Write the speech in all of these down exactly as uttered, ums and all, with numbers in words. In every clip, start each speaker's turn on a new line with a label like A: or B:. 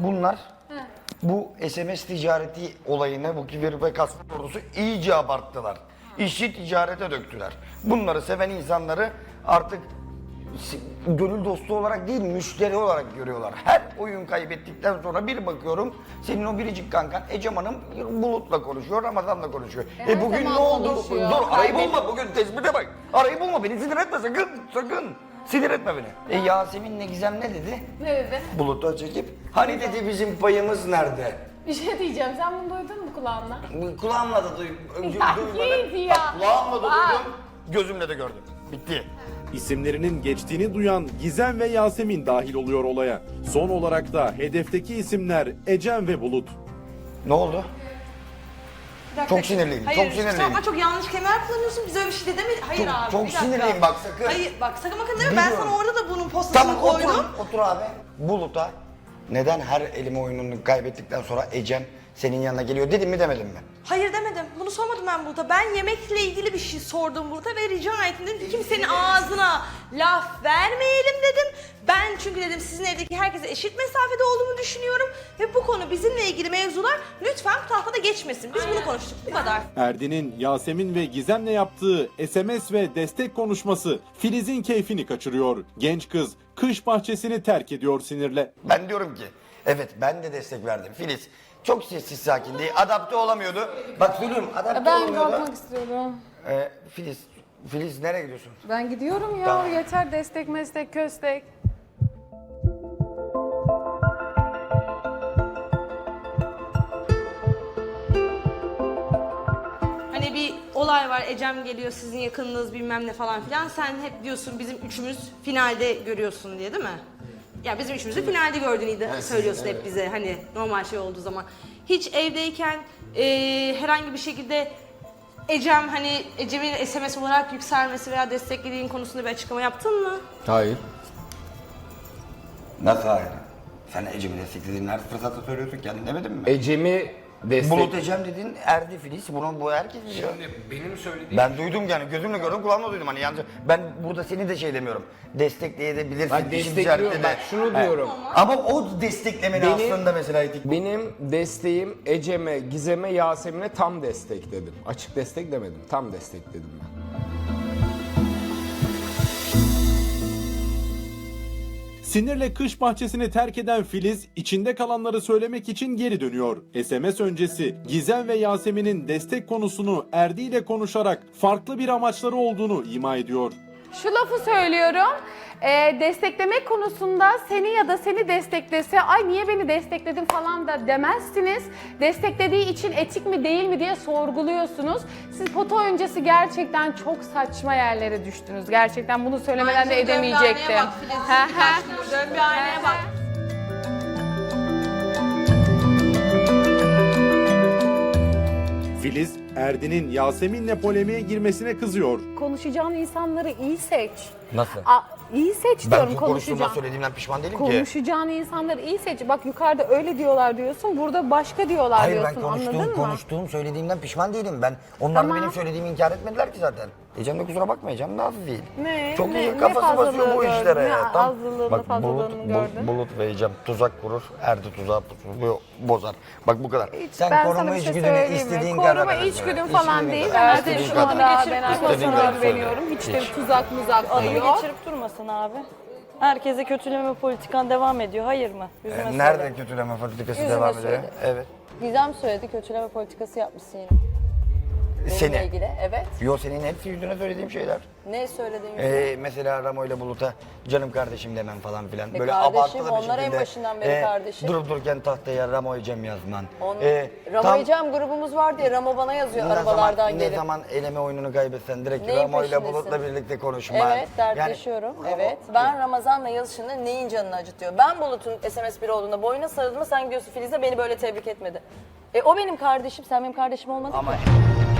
A: bunlar bu S M S ticareti olayını, bu kibir ve kasvet ordusu iyice abarttılar. İşi ticarete döktüler. Bunları seven insanları artık gönül dostu olarak değil, müşteri olarak görüyorlar. Her oyun kaybettikten sonra bir bakıyorum, senin o biricik kankan Ecem Hanım Bulut'la konuşuyor, Ramazan'la konuşuyor. E, e bugün ne oldu?
B: konuşuyor.
A: Dur, arayı bulma, bugün tespite bak. Arayı bulma, beni sinir etme sakın, sakın. Sinir etme beni. E Yasemin'le Gizem ne dedi?
B: Ne dedi?
A: Bulut'a çekip, hani dedi bizim payımız nerede?
B: Bir şey diyeceğim. Sen bunu duydun mu kulağınla?
A: Kulağımla da duydum.
B: Ya git ya.
A: Kulağımla da
B: Bak.
A: duydum, gözümle de gördüm. Bitti.
C: İsimlerinin geçtiğini duyan Gizem ve Yasemin dahil oluyor olaya. Son olarak da hedefteki isimler Ecem ve Bulut.
A: Ne oldu? Çok sinirliyim,
D: Hayır,
A: çok sinirliyim.
D: Ama çok yanlış kelimeler kullanıyorsun. Biz öyle bir şey demedik. Hayır
A: Çok-
D: abi.
A: çok
D: bir dakika.
A: sinirliyim bak, sakın.
D: Hayır bak sakın bakın deme. Ben
A: Biliyorum.
D: sana orada da bunun postasını
A: Tamam
D: koydum.
A: otur, otur abi. Bulut'a neden her elime oyununu kaybettikten sonra Ecem senin yanına geliyor dedim mi demedim mi?
D: Hayır demedim. Bunu sormadım ben burada. Ben yemekle ilgili bir şey sordum burada ve rica ettim. Dedim ki kimsenin ağzına laf vermeyelim dedim. Ben çünkü dedim sizin evdeki herkese eşit mesafede olduğumu düşünüyorum. Ve bu konu bizimle ilgili mevzular lütfen bu tahtada geçmesin. Biz bunu konuştuk. Bu kadar.
C: Erdin'in Yasemin ve Gizem'le yaptığı S M S ve destek konuşması Filiz'in keyfini kaçırıyor. Genç kız kış bahçesini terk ediyor sinirle.
A: Ben diyorum ki evet ben de destek verdim. Filiz çok sessiz sakindi, adapte olamıyordu. Bak söylüyorum adapte
B: Ben
A: olamıyordu.
B: kalkmak istiyorum.
A: Ee, Filiz, Filiz nereye gidiyorsun?
B: Ben gidiyorum ya.
A: Tamam.
B: Yeter destek meslek köstek.
D: Hani bir olay var. Ecem geliyor sizin yakınınız bilmem ne falan filan. Sen hep diyorsun bizim üçümüz finalde görüyorsun diye değil mi? Ya bizim üçümüzü finalde gördüğünü de söylüyorsun hep bize hani normal şey olduğu zaman. Hiç evdeyken eee, herhangi bir şekilde Ecem hani Ecem'in S M S olarak yükselmesi veya desteklediğin konusunda bir açıklama yaptın mı?
E: Hayır.
A: Nasıl hayır? Sen Ecem'i desteklediğin her fırsatta söylüyorsun, kendin demedin mi?
E: Ecem'i destek...
A: Bulut Ecem dedin, erdi Filiz. Bunu bu herkes biliyor.
E: benim söylediğim...
A: Ben duydum yani, gözümle gördüm, kulağımla duydum hani yalnız ben burada seni de şey demiyorum. Destekleyebilirsin.
E: Ben
A: işin
E: destekliyorum,
A: ticarette de.
E: bak şunu
A: He.
E: diyorum.
A: Ama o desteklemeni
E: Benim-
A: aslında mesela etik.
E: Benim desteğim Ecem'e, Gizem'e, Yasemin'e tam destek dedim. Açık destek demedim, tam destek dedim ben.
C: Sinirle kış bahçesini terk eden Filiz içinde kalanları söylemek için geri dönüyor. S M S öncesi Gizem ve Yasemin'in destek konusunu Erdi ile konuşarak farklı bir amaçları olduğunu ima ediyor.
B: Şu lafı söylüyorum. e, desteklemek konusunda seni ya da seni desteklese ay niye beni destekledin falan da demezsiniz. Desteklediği için etik mi değil mi diye sorguluyorsunuz. Siz foto öncesi gerçekten çok saçma yerlere düştünüz. Gerçekten bunu söylemeden de edemeyecektim.
D: Bak Filiz'in
B: Hı hı.
D: birkaç gündür dön bir aynaya bak.
C: Filiz, Erdi'nin Yasemin'le polemiğe girmesine kızıyor.
B: Konuşacağın insanları iyi seç.
A: Nasıl?
B: A, iyi seç
A: Ben
B: diyorum
A: çok konuştuğumdan
B: konuşacağın.
A: söylediğimden pişman değilim ki.
B: Konuşacağın insanları iyi seç. Bak yukarıda öyle diyorlar diyorsun, burada başka diyorlar
A: Hayır ben
B: diyorsun.
A: konuştuğum,
B: Anladın mı?
A: konuştuğum söylediğimden pişman değilim ben. Onlar da
B: Tamam.
A: benim söylediğimi inkar etmediler ki zaten. Ecem de kusura bakma, Ecem de hafif değil.
B: Ne?
A: Çok
B: Ne-
A: iyi
B: ne
A: kafası basıyor bu
B: fazlalığı
A: işlere.
B: gördün? Ne
A: Tam-
B: azlığını,
A: Bak
B: fazlalığını
A: Bulut,
B: gördün?
A: Bulut, Bulut ve Ecem tuzak kurur, Erdi tuzağı pusu bozar. Bak bu kadar.
B: Hiç-
A: Sen
B: ben
A: koruma
B: sana bir şey
A: içgüdünü
B: söyleyeyim mi?
A: istediğin kadar.
B: Koruma
A: ver.
B: içgüdüm
A: İçgüdün
B: falan değil.
A: kadar.
B: Ben
A: İstediğin
B: artık şu
A: kadar.
B: anda ben
A: İstediğin
B: arkadaşlarıma
A: kadar
B: güveniyorum.
A: söyle.
B: Hiç de
A: Hiç.
B: tuzak muzak
F: Adını
B: yok.
F: geçirip durmasın abi. Herkese kötüleme politikan devam ediyor. Hayır mı? Yüzüme
A: Ee,
F: söyle.
A: Nerede kötüleme politikası
F: Yüzüme
A: devam ediyor?
F: söyle.
A: Evet.
F: Gizem söyledi, kötüleme politikası yapmışsın yine. Benimle
A: Seni.
F: ilgili. Evet.
A: Yo senin hepsi yüzüne söylediğim şeyler.
F: Ne söyledin yüzüme?
A: Ee, mesela Ramo ile Bulut'a canım kardeşim demem falan filan.
F: E
A: Böyle
F: kardeşim,
A: abartılı bir
F: onlar en
A: şekilde,
F: başından beri kardeşim.
A: Durup dururken tahtaya Ramo'yu Cem yazman.
F: On...
A: Ee,
F: Ramo
A: tam
F: Ecem grubumuz var diye Ramo bana yazıyor
A: ne
F: arabalardan
A: zaman,
F: gelip.
A: Ne zaman eleme oyununu kaybetsen direkt
F: Neyin
A: Ramo ile
F: peşindesin?
A: Bulut'la birlikte konuşman.
F: Evet, dertleşiyorum.
A: Yani,
F: evet. Ben Ramazan'la yazışında neyin canını acıtıyor? Ben Bulut'un S M S biri olduğunda boyuna sarıldığımda sen gidiyorsun Filiz'e beni böyle tebrik etmedi. E o benim kardeşim, sen benim kardeşim olmadın
A: Ama
F: ki.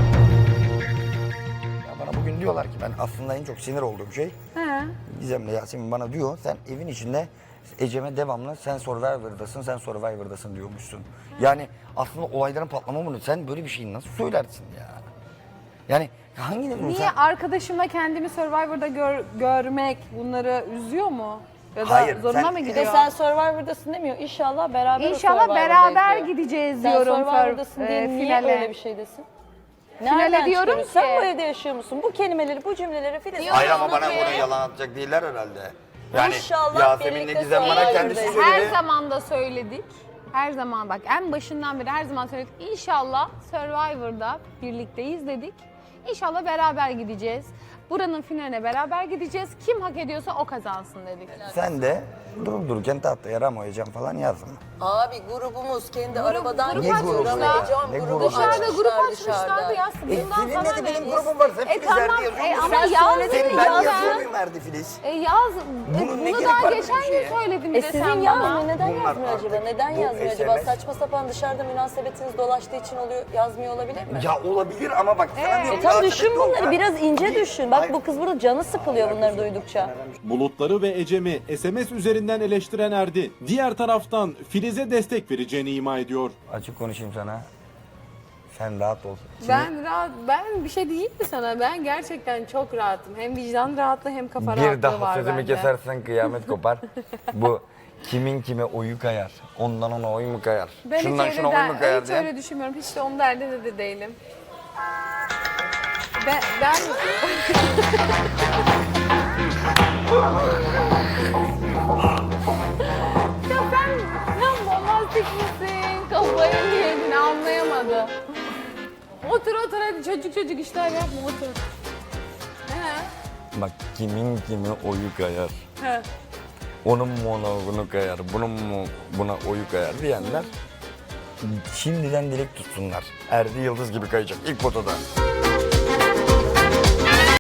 A: ya bana bugün diyorlar ki ben aslında en çok sinir olduğum şey
B: He.
A: Gizem'le Yasemin bana diyor sen evin içinde Ecem'e devamlı sen Survivor'dasın, sen Survivor'dasın diyormuşsun. Yani aslında olayların patlama bunu sen böyle bir şeyi nasıl söylersin ya? Yani hangi
B: Niye arkadaşımla kendimi Survivor'da gör- görmek bunları üzüyor mu? Ya da
A: Hayır,
B: zoruna
A: sen-
B: mı
F: Bir
B: gidiyor?
F: de sen Survivor'dasın demiyor. İnşallah beraber o
B: İnşallah
F: Survivor'dayız
B: beraber
F: diyor.
B: gideceğiz
F: Sen
B: diyorum.
F: Survivor'dasın
B: Fir-
F: diye
B: e,
F: niye
B: finale.
F: öyle bir şey desin? Nereden
B: diyorum
F: çıkarıyorsun? Sen
B: ki-
F: bu evde yaşıyor musun? Bu kelimeleri, bu cümleleri Filiz...
A: Hayır ama bana
F: ki-
A: bunu yalan atacak değiller herhalde. Yani
F: İnşallah
A: Yasemin'le
F: birlikte
A: Gizem bana
F: Survivor'da.
A: kendisi
B: Her
A: söyledi.
B: zaman da söyledik. Her zaman bak en başından beri her zaman söyledik. İnşallah Survivor'da birlikteyiz dedik. İnşallah beraber gideceğiz. Buranın finaline beraber gideceğiz. Kim hak ediyorsa o kazansın dedik.
A: Sen de durup dururken tahtaya Ramoyacağım falan yazma.
F: Abi grubumuz kendi arabadan
B: grup
F: geçiyor.
B: açmışlar.
F: Ramayacağım
A: Ne
F: grubu
A: grubu?
B: Dışarıda
F: açmışlar
B: grup açmışlardı
F: dışarıda.
B: ya.
A: E,
B: Bundan
A: senin
B: sana
A: de benim
B: ne?
A: grubum var. Sen
B: E
A: Filiz
B: tamam,
A: Erdi yazıyor
B: e,
A: musun?
B: ama
A: Sen
B: yaz
A: söyledin,
B: dedi,
A: ben
B: yaz.
A: yazıyor muyum Erdi Filiz?
B: E yaz. E,
A: Bunun ne
B: bunu
A: gerek
B: daha
A: var
B: geçen
A: böyle bir şeye?
B: gün söyledin
F: E
B: bir de sen
F: sizin
B: bana.
F: yazmıyor. Neden
A: Bunlar
F: yazmıyor acaba?
A: artık
F: Neden
A: bu
F: yazmıyor
A: S M
F: acaba?
A: S.
F: Saçma sapan dışarıda münasebetiniz dolaştığı için oluyor, yazmıyor olabilir mi?
A: Ya olabilir ama bak sana diyorum.
F: E tamam
A: münasebet
F: düşün
A: yok
F: bunları.
A: ya.
F: Biraz ince düşün. Bak
A: Hayır.
F: bu kız burada canı sıkılıyor bunları duydukça.
C: Bulutları ve Ecem'i S M S üzerinden eleştiren Erdi, diğer taraftan Filiz'e destek vereceğini ima ediyor.
A: Açık konuşayım sana. Sen rahat ol.
B: Ben rahat, ben bir şey diyeyim mi sana? Ben gerçekten çok rahatım. Hem vicdan rahatlığı hem kafa rahatlığı
A: Bir daha
B: var
A: sözümü
B: bende.
A: kesersen kıyamet kopar. Bu kimin kime oyu kayar. Ondan ona oy mu kayar?
B: Ben
A: Şundan
B: hiç,
A: şuna
B: öyle
A: oy
B: der,
A: mu kayar
B: hiç
A: diye.
B: öyle düşünmüyorum. Hiç de onun derdinde de değilim. Ben, ben... ya sen, sen bombastik misin? Kafayı mı yedin anlayamadım. Otur otur hadi çocuk çocuk işler yapma otur. He.
A: Bak kimin kime oyu kayar.
B: He.
A: Onun mu ona bunu kayar, bunun mu buna oyu kayar diyenler şimdiden dilek tutsunlar. Erdi Yıldız gibi kayacak ilk potada.